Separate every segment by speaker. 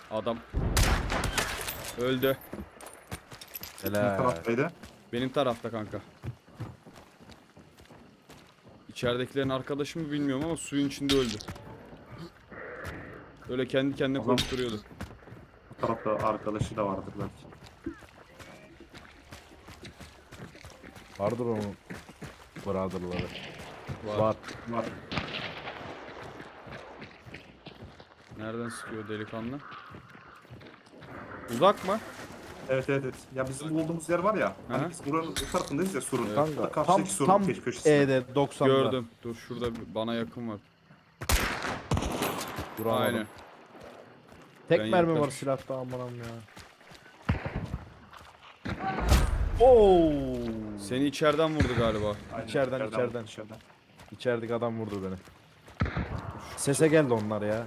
Speaker 1: Adam öldü.
Speaker 2: Ne
Speaker 3: Helal.
Speaker 2: taraftaydı?
Speaker 1: Benim tarafta kanka. İçeridekilerin arkadaşı mı bilmiyorum ama suyun içinde öldü. Öyle kendi kendine
Speaker 2: Adam-
Speaker 1: koşturuyordu.
Speaker 2: Bu tarafta arkadaşı da vardır belki.
Speaker 3: Vardır onun brotherları.
Speaker 1: Var.
Speaker 3: Var.
Speaker 2: Var.
Speaker 1: Nereden sıkıyor delikanlı? Uzak mı?
Speaker 2: Evet evet evet. Ya bizim bulduğumuz yer var ya.
Speaker 1: Hı.
Speaker 2: Hani biz buranın bu tarafındayız ya surun.
Speaker 3: Kanka tam
Speaker 2: Karşıdaki surun
Speaker 3: tam
Speaker 2: köşesinde.
Speaker 3: E'de 90'da.
Speaker 1: Gördüm. Dur şurada bana yakın var.
Speaker 3: Duramadım.
Speaker 1: Aynen.
Speaker 3: Tek
Speaker 1: Ben
Speaker 3: mermi var
Speaker 1: yaklaş-
Speaker 3: silahta amanam ya. Oo!
Speaker 1: Seni içeriden vurdu galiba.
Speaker 2: Aynen,
Speaker 3: İçeriden. İçerideki adam vurdu beni. Sese geldi onlar ya.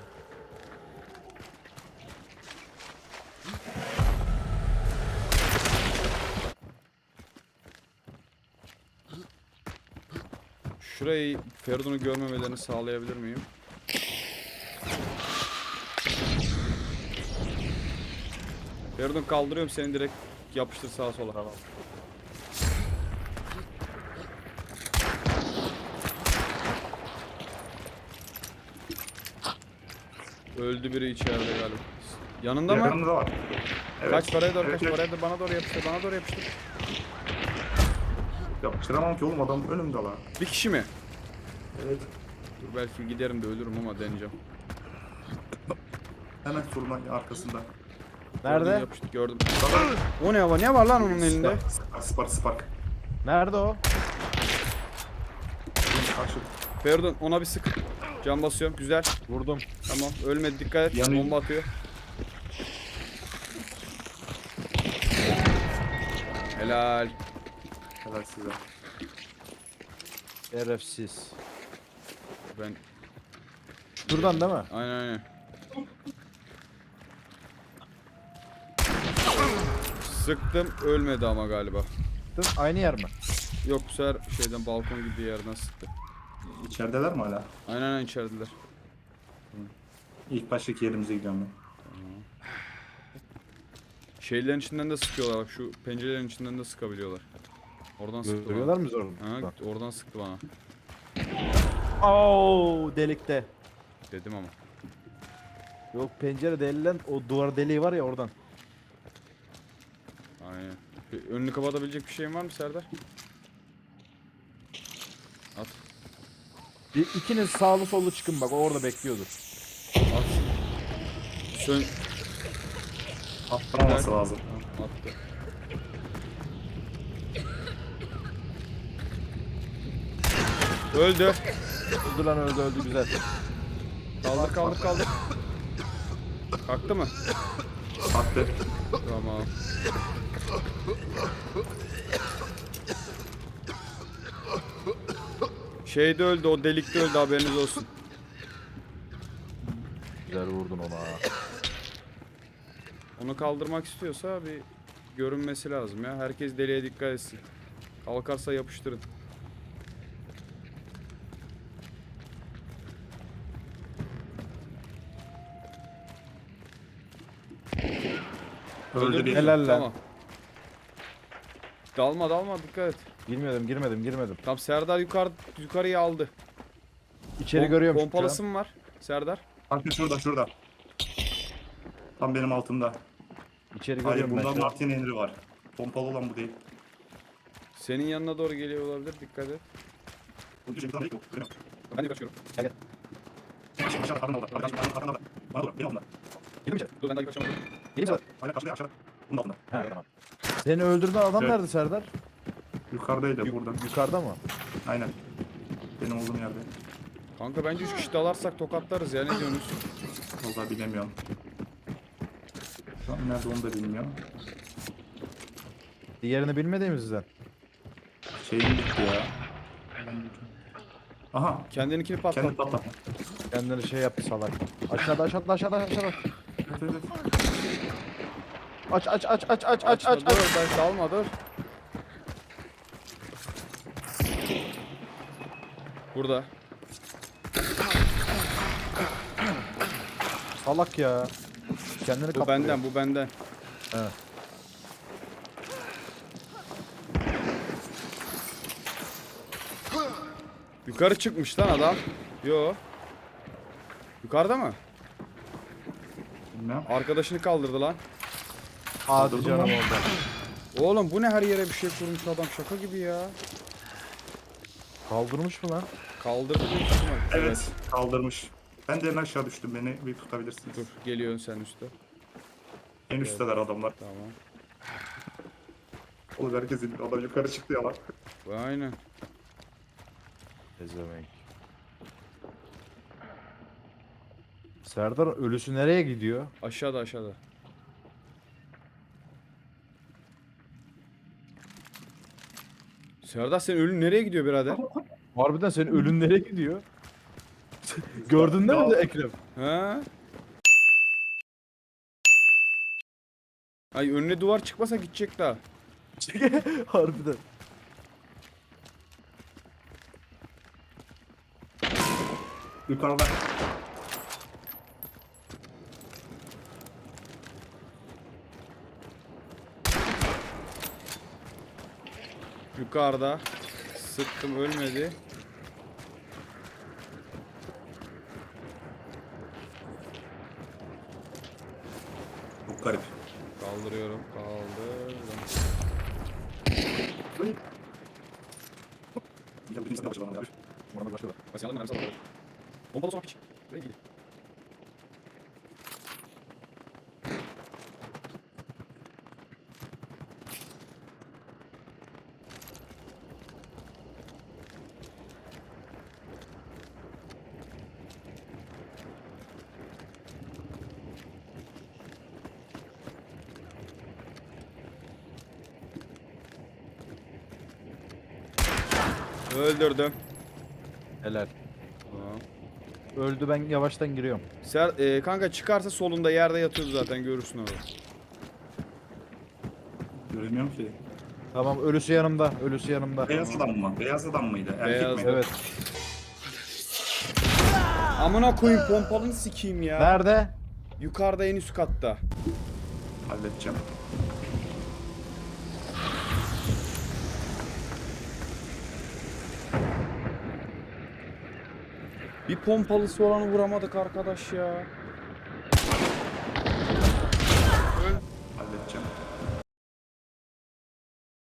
Speaker 1: Şurayı Feridun'u görmemelerini sağlayabilir miyim? Feridun kaldırıyorum seni, direkt yapıştır sağa sola.
Speaker 3: Tamam.
Speaker 1: Öldü biri içeride galiba. Yanında mı?
Speaker 2: Yanında var. Evet.
Speaker 1: Kaç paraya doğru,
Speaker 2: Evet,
Speaker 1: kaç
Speaker 2: evet.
Speaker 1: paraya doğru, bana doğru yapıştır, bana doğru yapıştır.
Speaker 2: Yapıştıramam ki oğlum, adam önümde lan.
Speaker 1: Bir kişi mi?
Speaker 2: Evet.
Speaker 1: Dur belki giderim de ölürüm ama deneyeceğim.
Speaker 2: Hemen surun arkasında.
Speaker 1: Gördüm,
Speaker 3: Nerede?
Speaker 1: yapıştır, gördüm. O ne var? Ne var lan onun elinde?
Speaker 2: Spark.
Speaker 3: Nerede o?
Speaker 2: Karşı.
Speaker 1: Feridun ona bir sık. Can basıyorum, güzel.
Speaker 3: Vurdum.
Speaker 1: Tamam, ölmedi, dikkat et.
Speaker 2: Yanıyor.
Speaker 1: Bomba atıyor. Helal.
Speaker 2: Helal size.
Speaker 3: Şerefsiz.
Speaker 1: Ben
Speaker 3: Şuradan değil mi?
Speaker 1: aynen. Sıktım, ölmedi ama galiba.
Speaker 3: Dur, aynı yer mi?
Speaker 1: Yok, bu sefer şeyden, balkon gibi yerden sıktı.
Speaker 2: İçerideler mi hala?
Speaker 1: Aynen içerideler.
Speaker 2: İlk baştaki yerimize gidiyorum ben.
Speaker 1: Şeylerin içinden de sıkıyorlar, bak şu pencerelerin içinden de sıkabiliyorlar. Oradan sıktı
Speaker 3: Görüyorlar
Speaker 1: bana.
Speaker 3: mı orada?
Speaker 1: Ha, oradan sıktı bana.
Speaker 3: Oo, delikte.
Speaker 1: Dedim ama.
Speaker 3: Yok, pencere delilen o duvar deliği var ya oradan.
Speaker 1: Aynen. Önünü kapatabilecek bir şeyin var mı Serdar? At.
Speaker 3: İkiniz sağlı sollu çıkın bak, o orada bekliyordur.
Speaker 1: At. Sön.
Speaker 2: Atlaması lazım.
Speaker 1: Tamam, attı. Öldü.
Speaker 3: Öldü lan, öldü güzel.
Speaker 1: Kaldır. Kalktı mı?
Speaker 2: Attı.
Speaker 1: Tamam. Şeyde öldü, o delikte öldü, haberiniz olsun.
Speaker 3: Güzel vurdun ona.
Speaker 1: Onu kaldırmak istiyorsa bir görünmesi lazım ya. Herkes deliğe dikkat etsin. Kalkarsa yapıştırın.
Speaker 2: Öldü bir.
Speaker 3: Helal lan.
Speaker 1: Tamam. Dalma dikkat et.
Speaker 3: Girmedim.
Speaker 1: Tamam, Serdar yukarıya aldı.
Speaker 3: İçeri görüyorum şu an.
Speaker 1: Pompalısı mı var Serdar?
Speaker 2: Kanka şurada. Tam benim altımda.
Speaker 3: İçeri
Speaker 2: Hayır,
Speaker 3: görüyorum ben
Speaker 2: bunda
Speaker 3: şu an.
Speaker 2: Martin Henry var. Pompalı olan bu değil.
Speaker 1: Senin yanına doğru geliyor olabilir, dikkat et.
Speaker 2: Bu şey bir tane değil mi?
Speaker 1: Ben de kaçıyorum.
Speaker 3: Gel.
Speaker 2: Aşağı karnına orada. Arkadaşlar bana doğru. Benim altımda.
Speaker 3: Girdim içeri.
Speaker 1: Dur, ben de kaçamadım.
Speaker 3: Gireyim mi?
Speaker 2: Hala karşıda aşağıda. Bunun altında.
Speaker 3: Ha, tamam. Seni öldürdüğün adam
Speaker 2: Evet.
Speaker 3: nerede Serdar?
Speaker 2: Yukarıdaydı buradan.
Speaker 3: Yukarıda mı?
Speaker 2: Aynen. Benim olduğum yerde.
Speaker 1: Kanka bence 3 kişi dalarsak tokatlarız ya, ne diyorsunuz?
Speaker 2: Vallahi bilemiyorum. Şu an nerede onu da bilmiyorum.
Speaker 3: Diğerini bilmediğimizden.
Speaker 2: Şeyim bitti ya. Aha.
Speaker 1: Kendininkini patlat.
Speaker 2: Kendi patlat.
Speaker 3: Kendini şey yaptı salak. Aşağıda.
Speaker 2: Evet.
Speaker 3: Aç.
Speaker 1: Açma, dur, ben dalma, dur. Burada.
Speaker 3: Salak ya. Kendini
Speaker 1: Bu
Speaker 3: kaptırıyor.
Speaker 1: benden, bu benden.
Speaker 3: Evet.
Speaker 1: Yukarı çıkmış lan adam. Yo. Yukarıda mı?
Speaker 2: Bilmem.
Speaker 1: Arkadaşını kaldırdı lan.
Speaker 3: Hadi
Speaker 2: Kaldırdı
Speaker 3: canım
Speaker 2: mı?
Speaker 3: orada.
Speaker 1: Oğlum bu ne, her yere bir şey kurmuş adam, şaka gibi ya.
Speaker 3: Kaldırmış mı lan?
Speaker 1: Kaldırdı büyük ihtimal.
Speaker 2: Evet. Kaldırmış. Ben de en aşağı düştüm. Beni bir tutabilirsiniz.
Speaker 1: Dur, geliyorsun sen üstte.
Speaker 2: En üstteler adamlar.
Speaker 1: Tamam.
Speaker 2: Oğlum herkes indi. Adam yukarı çıktı ya lan.
Speaker 1: Aynen.
Speaker 3: Ezemek. Serdar ölüsü nereye gidiyor?
Speaker 1: Aşağıda, aşağıda. Serdar, senin ölün nereye gidiyor birader?
Speaker 3: Harbiden senin ölün nereye gidiyor? Gördün değil mi de Ekrem?
Speaker 1: Ha? Ay, önüne duvar çıkmasa gidecek daha.
Speaker 3: Harbiden.
Speaker 2: Yukarıda.
Speaker 1: Yukarıda. Sıktım, ölmedi.
Speaker 2: Çok garip.
Speaker 1: Kaldırıyorum. Kaldırdım.
Speaker 2: Ya bizim sana başlayalım abi.
Speaker 3: Bana başladı.
Speaker 1: Mesela mermisi alalım. Pompalı son piç. Buraya gidiyor. Öldürdüm.
Speaker 3: Helal.
Speaker 1: Tamam.
Speaker 3: Öldü, ben yavaştan giriyorum.
Speaker 1: Kanka çıkarsa solunda yerde yatıyordu zaten, görürsün onu.
Speaker 2: Göremiyorum ki.
Speaker 3: Tamam, ölüsü yanımda. Ölüsü yanımda.
Speaker 2: Beyaz adam mı? Beyaz adam mıydı? Erkek
Speaker 1: Beyaz.
Speaker 2: miydi?
Speaker 3: Evet.
Speaker 1: Amına koyayım, pompalını sikeyim ya.
Speaker 3: Nerede?
Speaker 1: Yukarıda, en üst katta.
Speaker 2: Halledeceğim.
Speaker 1: Bir pompalısı olanı vuramadık arkadaş ya.